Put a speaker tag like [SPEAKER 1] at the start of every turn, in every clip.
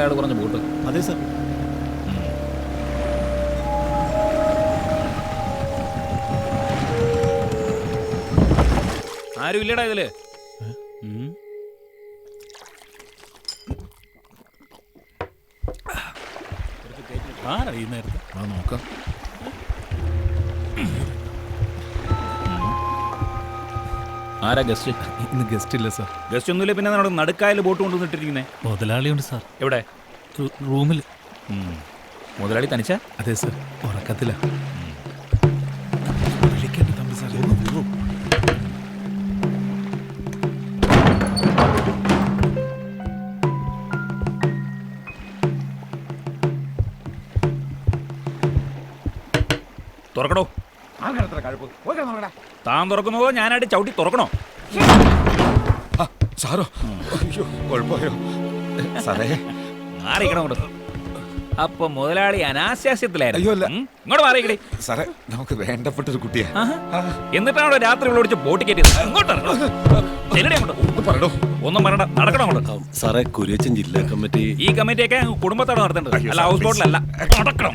[SPEAKER 1] അയാൾ കുറഞ്ഞ ബോട്ട്.
[SPEAKER 2] അതെ സാർ.
[SPEAKER 1] ആരും ഇല്ലടാ ഇതില്.
[SPEAKER 2] ആരറിയുന്നേരത്ത് നോക്കാം.
[SPEAKER 1] ആരാ ഗസ്റ്റ്?
[SPEAKER 2] ഇന്ന് ഗസ്റ്റ് ഇല്ല സാർ.
[SPEAKER 1] ഗസ്റ്റ് ഒന്നുമില്ല. പിന്നെ നമ്മുടെ നടുക്കായൽ ബോട്ട് കൊണ്ടുവന്നിട്ടിരിക്കുന്നേ.
[SPEAKER 2] മുതലാളിയുണ്ട് സാർ.
[SPEAKER 1] എവിടെ?
[SPEAKER 2] റൂമിൽ.
[SPEAKER 1] മുതലാളി തനിച്ച?
[SPEAKER 2] അതെ സാർ, ഉറക്കത്തില്ല.
[SPEAKER 1] തുറക്കണോ? താൻ തുറക്കുന്നതോ ഞാനായിട്ട് ചവിട്ടി തുറക്കണോ?
[SPEAKER 3] സാറോ? അയ്യോ, കുഴപ്പമായോ സാറേ?
[SPEAKER 1] മാറിക്കണം കൊണ്ട്. അപ്പൊ മുതലാളി അനാശാസ്യത്തിലായിരുന്നു.
[SPEAKER 3] അയ്യോ, അല്ല.
[SPEAKER 1] ഇങ്ങോട്ട് മാറിയിക്കടി
[SPEAKER 3] സാറേ, നമുക്ക് വേണ്ടപ്പെട്ടൊരു കുട്ടിയാ.
[SPEAKER 1] എന്നിട്ടാണോ രാത്രി ഇവിടെ വിളിച്ച് ബോട്ട് കയറ്റിയത്? ഇങ്ങോട്ട്
[SPEAKER 3] പറയണോ?
[SPEAKER 1] ഒന്നും പറയണ്ട, നടക്കണം അങ്ങോട്ട്.
[SPEAKER 4] സാറേ, കുര്യച്ചൻ ജില്ലാ കമ്മിറ്റി.
[SPEAKER 1] ഈ കമ്മിറ്റിയൊക്കെ കുടുംബത്തോടെ നടത്തേണ്ടത്, അല്ല ഹൗസ് ബോട്ടിലല്ല. നടക്കണം.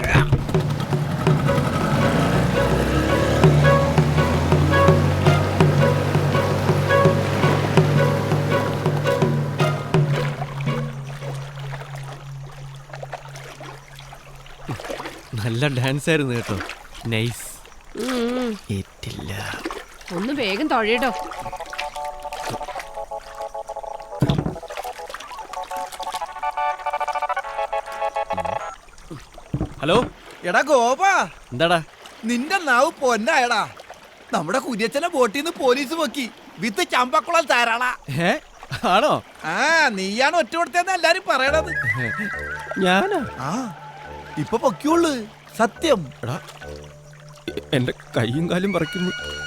[SPEAKER 4] നല്ല ഡാൻസ് ആയിരുന്നു കേട്ടോ. നൈസ്. ഏറ്റില്ല.
[SPEAKER 5] ഒന്ന് വേഗം തൊഴയിടോ.
[SPEAKER 1] ഹലോ.
[SPEAKER 6] എടാ ഗോപാ,
[SPEAKER 4] എന്താടാ
[SPEAKER 6] നിന്റെ നാവ് പൊന്നായടാ. നമ്മുടെ കുര്യച്ചനെ ബോട്ടിൽ നിന്ന് പോലീസ് പൊക്കി വിത്ത് ചമ്പക്കുളം താരാളാ.
[SPEAKER 4] ആണോ?
[SPEAKER 6] ആ, നീയാണ് ഒറ്റ കൊടുത്തതെന്ന് എല്ലാരും പറയണത്.
[SPEAKER 4] ഞാനാ?
[SPEAKER 6] ആ, ഇപ്പൊ പൊക്കിയുള്ളു. സത്യം.
[SPEAKER 4] എടാ, എന്റെ കൈയും കാലും പറിക്കുന്നു.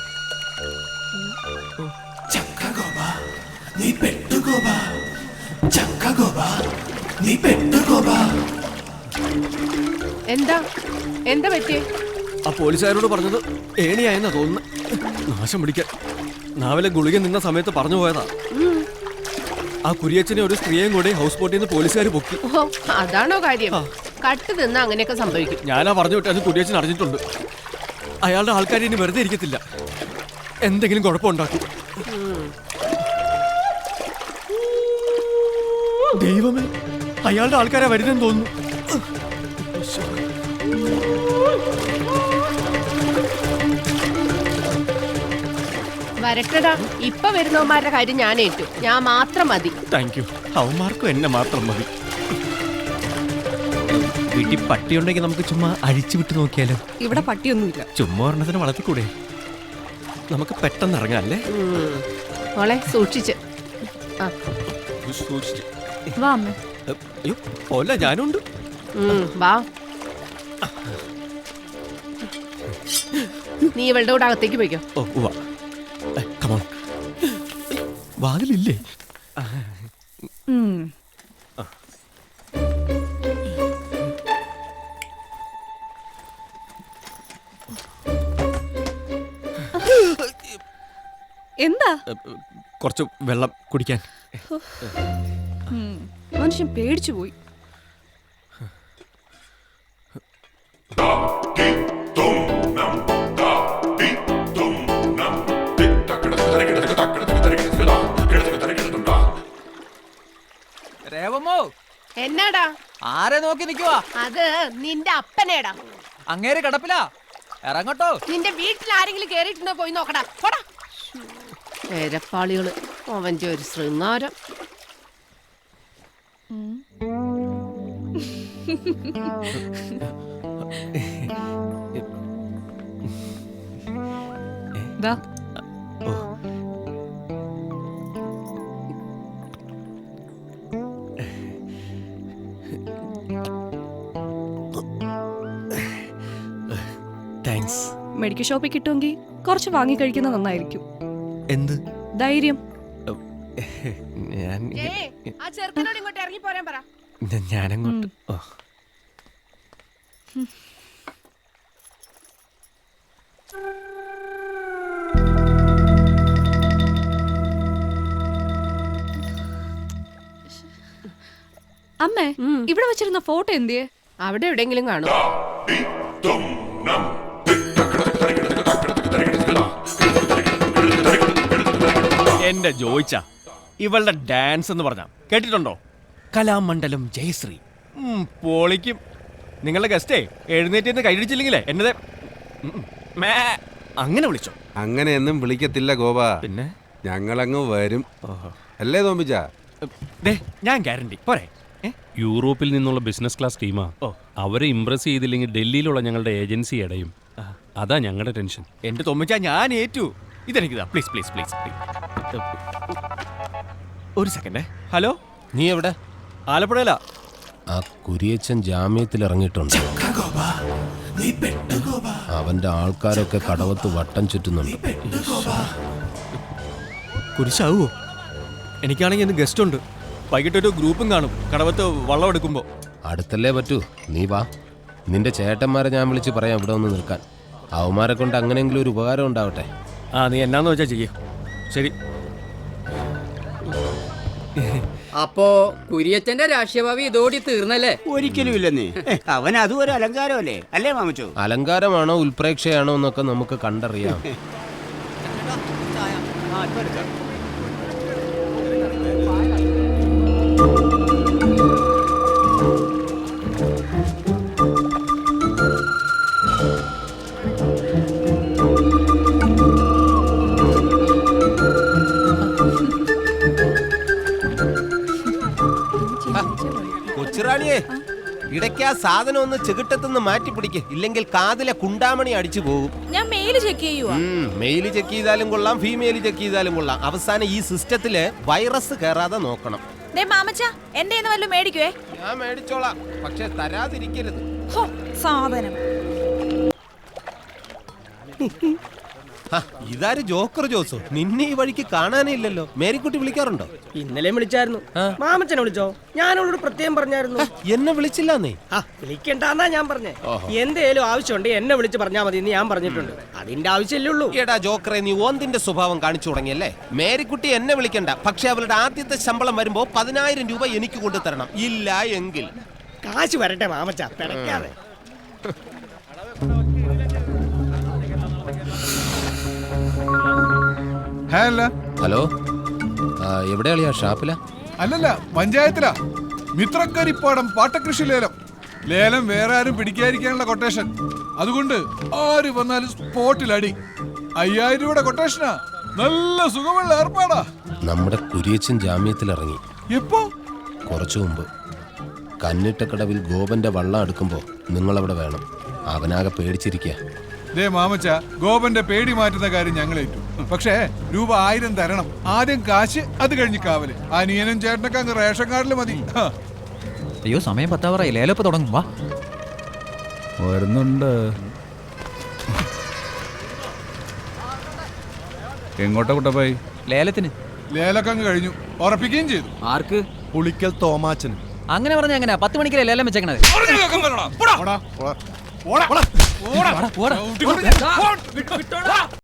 [SPEAKER 5] എന്താ എന്താ പറ്റിയേ?
[SPEAKER 4] ആ പോലീസുകാരോട് പറഞ്ഞത് ഏണിയായെന്നാ തോന്നുന്നു. നാശം പിടിക്കാൻ നാവിലെ ഗുളിക നിന്ന സമയത്ത് പറഞ്ഞു പോയതാ. ആ കുര്യച്ചനെ ഒരു സ്ത്രീയും കൂടി ഹൗസ് ബോട്ടിൽ നിന്ന് പോലീസുകാർ പൊക്കി.
[SPEAKER 5] ഓ, അതാണോ കാര്യം? കട്ട് നിന്ന് അങ്ങനെയൊക്കെ സംഭവിക്കും.
[SPEAKER 4] ഞാനാ പറഞ്ഞു വിട്ടത്. കുര്യച്ചൻ അറിഞ്ഞിട്ടുണ്ട്. അയാളുടെ ആൾക്കാർ ഇനി വെറുതെ ഇരിക്കത്തില്ല, എന്തെങ്കിലും കുഴപ്പമുണ്ടാക്കും. ദൈവമേ, അയാളുടെ ആൾക്കാരെ വരുന്നെന്ന് തോന്നുന്നു.
[SPEAKER 5] വരട്ടടാ, ഇപ്പൊ വരുന്നവന്മാരുടെ കാര്യം ഞാൻ ഏറ്റു. ഞാൻ മാത്രം മതി.
[SPEAKER 4] Thank you. അവന്മാർക്കും എന്നെ മാത്രം മതി. വീട്ടിൽ പട്ടിയുണ്ടെങ്കിൽ നമുക്ക് ചുമ്മാ അഴിച്ചു വിട്ട് നോക്കിയാലോ?
[SPEAKER 7] ഇവിടെ പട്ടിയൊന്നുമില്ല.
[SPEAKER 4] ചുമ്മാ ഒരെണ്ണത്തിന് വളർത്തിക്കൂടെ? നമുക്ക് പെട്ടെന്ന് ഇറങ്ങാല്ലേ?
[SPEAKER 5] മോളെ സൂക്ഷിച്ച്.
[SPEAKER 7] വാ അമ്മേ.
[SPEAKER 4] അയ്യോ, പോല ഞാനുണ്ട്.
[SPEAKER 5] വാ. നീ ഇവളുടെ കൂടെ അകത്തേക്ക് പോയിക്കോ.
[SPEAKER 4] ഓ വാ. കമോൺ. വാതിലില്ലേ?
[SPEAKER 7] എന്താ?
[SPEAKER 4] കുറച്ച് വെള്ളം കുടിക്കാൻ.
[SPEAKER 7] മനുഷ്യൻ പേടിച്ചു പോയി.
[SPEAKER 6] രേവമ്മോ,
[SPEAKER 5] എന്നാടാ?
[SPEAKER 6] ആരെ നോക്കി നിക്കുവാ?
[SPEAKER 5] അത് നിന്റെ അപ്പനേടാ.
[SPEAKER 6] അങ്ങേര് കിടപ്പിലാ. ഇറങ്ങട്ടോ.
[SPEAKER 5] നിന്റെ വീട്ടിൽ ആരെങ്കിലും കേറിയിട്ടുണ്ടോ? പോയി നോക്കടാ. പോടാ. പേരപ്പാളികള്. അവന്റെ ഒരു ശൃംഗാരം.
[SPEAKER 7] ദാ.
[SPEAKER 4] താങ്ക്സ്.
[SPEAKER 7] മെഡിക്കൽ ഷോപ്പിൽ കിട്ടുമെങ്കിൽ കുറച്ച് വാങ്ങി കഴിക്കുന്നത് നന്നായിരിക്കും.
[SPEAKER 4] എന്ത്
[SPEAKER 7] ധൈര്യം?
[SPEAKER 4] ഞാൻ
[SPEAKER 5] ആ ചെറുക്കനോട് ഇങ്ങോട്ട് ഇറങ്ങി പോരാൻ പറ.
[SPEAKER 4] ഞാനങ്ങോട്ട്.
[SPEAKER 7] അമ്മേ ഇവിടെ വെച്ചിരുന്ന ഫോട്ടോ എന്തിയെ?
[SPEAKER 5] അവിടെ എവിടെയെങ്കിലും കാണും.
[SPEAKER 4] എന്റെ ജോയിച്ച ഇവളുടെ ഡാൻസ് എന്ന് പറഞ്ഞ കേട്ടിട്ടുണ്ടോ? കലാമണ്ഡലം ജയശ്രീ. പൊളിക്കും. നിങ്ങളുടെ ഗസ്റ്റേ എഴുന്നേറ്റ് കൈയടിച്ചില്ലെങ്കിലേ എന്നതേ അങ്ങനെ വിളിച്ചോ.
[SPEAKER 8] അങ്ങനെയൊന്നും വിളിക്കത്തില്ല ഗോപ.
[SPEAKER 4] പിന്നെ
[SPEAKER 8] ഞങ്ങളങ്ങ് വരും. അല്ലേ തോമ്പിച്ച?
[SPEAKER 4] ദേ ഞാൻ ഗ്യാരണ്ടി പോരെ.
[SPEAKER 9] യൂറോപ്പിൽ നിന്നുള്ള ബിസിനസ് ക്ലാസ് ടീമാ. അവരെ ഇംപ്രസ് ചെയ്തില്ലെങ്കിൽ ഡൽഹിയിലുള്ള ഞങ്ങളുടെ ഏജൻസി അടയും. അതാ ഞങ്ങളുടെ ടെൻഷൻ.
[SPEAKER 4] എന്റെ തൊമ്മിച്ച ഞാൻ ഏറ്റു. ഇതെനിക്ക് പ്ലീസ് പ്ലീസ് പ്ലീസ്. ഒരു സെക്കൻഡ്. ഹലോ,
[SPEAKER 10] നീ എവിടെ?
[SPEAKER 4] ആലപ്പുഴയില.
[SPEAKER 10] ആ കുരിയച്ചൻ ജാമ്യത്തിൽ ഇറങ്ങിയിട്ടുണ്ട്. അവന്റെ ആൾക്കാരൊക്കെ കടവത്ത് വട്ടം ചുറ്റുന്നുണ്ട്.
[SPEAKER 4] കുരിശാവോ? എനിക്കാണെങ്കിൽ ഇന്ന് ഗസ്റ്റ് ഉണ്ട്. വൈകിട്ടൊരു ഗ്രൂപ്പും കാണും കടവത്ത് വള്ളം എടുക്കുമ്പോ.
[SPEAKER 10] അടുത്തല്ലേ പറ്റൂ, നീ വാ. നിന്റെ ചേട്ടന്മാരെ ഞാൻ വിളിച്ച് പറയാം ഇവിടെ ഒന്ന് നിൽക്കാൻ. അവന്മാരെ കൊണ്ട് അങ്ങനെയെങ്കിലും ഒരു ഉപകാരം ഉണ്ടാവട്ടെ.
[SPEAKER 4] നീ എന്നാന്ന് വെച്ചാ ചെയ്യ. ശരി.
[SPEAKER 11] അപ്പോ കുര്യച്ചന്റെ രാഷ്ട്രീയഭാവി ഇതോടി തീർന്നല്ലേ?
[SPEAKER 6] ഒരിക്കലും ഇല്ലെന്നേ. അവൻ അതും ഒരു അലങ്കാരമല്ലേ അല്ലേ മാമച്ചോ?
[SPEAKER 10] അലങ്കാരമാണോ ഉൽപ്രേക്ഷയാണോ എന്നൊക്കെ നമുക്ക് കണ്ടറിയാം.
[SPEAKER 12] കൊച്ചുറാണിയെ, ഇടയ്ക്ക് ആ സാധനം ഒന്ന് ചെകിട്ടത്തുനിന്ന് മാറ്റി പിടിക്ക്, ഇല്ലെങ്കിൽ കാതിലെ കുണ്ടാമണി അടിച്ചു പോകും.
[SPEAKER 7] ഞാൻ മെയിൽ ചെക്ക് ചെയ്യുവാ.
[SPEAKER 12] മെയിൽ ചെക്ക് ചെയ്താലും കൊള്ളാം, ഫീമെയിൽ ചെക്ക് ചെയ്താലും കൊള്ളാം. അവസാനം ഈ സിസ്റ്റത്തില് വൈറസ് കയറാതെ നോക്കണം.
[SPEAKER 7] എന്റെ വല്ലതും മേടിക്കുവേ.
[SPEAKER 12] ഞാൻ മേടിച്ചോളാം, പക്ഷെ തരാതിരിക്കരുത്.
[SPEAKER 7] സാധനം
[SPEAKER 12] ഇതാര് ജോക്കർ ജോസോ? നിന്നെ ഈ വഴിക്ക് കാണാനേ ഇല്ലല്ലോ. മേരിക്കുട്ടി വിളിക്കാറുണ്ടോ?
[SPEAKER 11] ഇന്നലെ വിളിച്ചായിരുന്നു. മാമച്ചനെ വിളിച്ചോ? ഞാനോട് പ്രത്യേകം പറഞ്ഞായിരുന്നു.
[SPEAKER 12] എന്നെ വിളിച്ചില്ലെന്നേ.
[SPEAKER 11] വിളിക്കണ്ടെന്നാ ഞാൻ പറഞ്ഞേ. എന്തേലും ആവശ്യമുണ്ട് എന്നെ വിളിച്ച് പറഞ്ഞാൽ മതി എന്ന് ഞാൻ പറഞ്ഞിട്ടുണ്ട്. അതിന്റെ ആവശ്യമല്ലേ ഉള്ളൂ.
[SPEAKER 12] എടാ ജോക്കറെ, നീ ഓന്തിന്റെ സ്വഭാവം കാണിച്ചു തുടങ്ങിയല്ലേ. മേരിക്കുട്ടി എന്നെ വിളിക്കണ്ട, പക്ഷെ അവളുടെ ആദ്യത്തെ ശമ്പളം വരുമ്പോ 10,000 രൂപ എനിക്ക് കൊണ്ടു തരണം. ഇല്ല എങ്കിൽ
[SPEAKER 11] കാശ് വരട്ടെ മാമച്ച, പിടയ്ക്കാതെ.
[SPEAKER 10] ഹലോ, എവിടെയാളിയാ? ഷാപ്പില?
[SPEAKER 8] അല്ലല്ല, പഞ്ചായത്തിലാ. മിത്രക്കരിപ്പാടം പാട്ടകൃഷി ലേലം. ലേലം വേറെ ആരും പിടിക്കാതിരിക്കാനുള്ള കൊട്ടേഷൻ. അതുകൊണ്ട് ആര് വന്നാലും സ്പോട്ടിൽ അടി. 5,000 രൂപയുടെ കൊട്ടേഷനാ. നല്ല സുഖമുള്ള ഏർപ്പാടാ.
[SPEAKER 10] നമ്മുടെ കുരിയച്ചൻ ജാമ്യത്തിൽ ഇറങ്ങി.
[SPEAKER 8] എപ്പോ?
[SPEAKER 10] കുറച്ചു മുമ്പ്. കന്നിട്ടക്കടവിൽ ഗോപന്റെ വള്ളം എടുക്കുമ്പോ നിങ്ങളവിടെ വേണം. അവനാകെ പേടിച്ചിരിക്കുക.
[SPEAKER 8] ദേ മാമച്ച, ഗോപന്റെ പേടി മാറ്റുന്ന കാര്യം ഞങ്ങൾ ഏറ്റു. പക്ഷേ രൂപ 1000 തരണം. ആദ്യം കാശ്, അത് കഴിഞ്ഞ് കാവല്. അനിയനും ചേട്ടനൊക്കെ അങ്ങ് റേഷൻ കാർഡിൽ മതി.
[SPEAKER 2] അയ്യോ, സമയം 10 ലേലപ്പ് തുടങ്ങും. വാ, വരുന്നുണ്ട്.
[SPEAKER 1] എങ്ങോട്ടാ കുട്ടപ്പായി?
[SPEAKER 2] ലേലത്തിന്.
[SPEAKER 8] ലേലൊക്കെ അങ്ങ് കഴിഞ്ഞു, ഉറപ്പിക്കുകയും ചെയ്തു.
[SPEAKER 2] ആർക്ക്?
[SPEAKER 4] പുളിക്കൽ തോമാച്ചൻ.
[SPEAKER 2] അങ്ങനെ പറഞ്ഞ എങ്ങനെയാ 10 മണിക്കല്ലേ ലേലം വെച്ചേക്കണത്?
[SPEAKER 8] പോടാ, പോടാ, പോടാ, പോടാ.